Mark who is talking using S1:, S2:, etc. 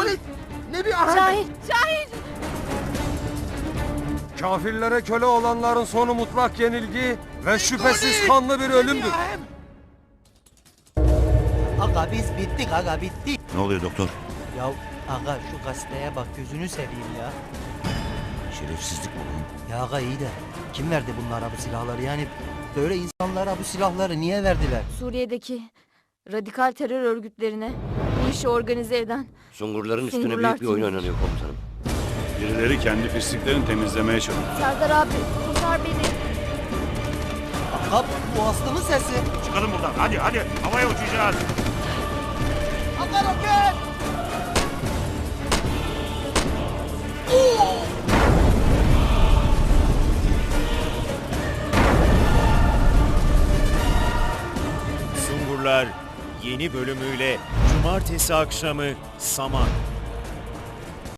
S1: Halit! Ne bir ahenk!
S2: Şahin! Şahin!
S3: Kafirlere köle olanların sonu mutlak yenilgi ve şüphesiz kanlı bir ölümdür.
S1: Aga biz bittik aga bittik.
S4: Ne oluyor doktor?
S1: Ya aga şu gazeteye bak gözünü seveyim ya.
S4: Şerefsizlik mi bu?
S1: Ya aga iyi de kim verdi bunlara bu silahları yani böyle insanlara bu silahları niye verdiler?
S2: Suriye'deki radikal terör örgütlerine bu işi organize eden
S4: Sungurların üstüne
S2: Sungurlar
S4: büyük bir oyun
S2: timi.
S4: oynanıyor komutanım.
S5: Birileri kendi pisliklerini temizlemeye çalışıyor.
S2: Serdar abi kurtar beni.
S1: Aga bu Aslı'nın sesi.
S5: Çıkalım buradan. Hadi hadi. Havaya uçacağız.
S1: Aga roket!
S6: Sungurlar yeni bölümüyle Cumartesi akşamı Saman.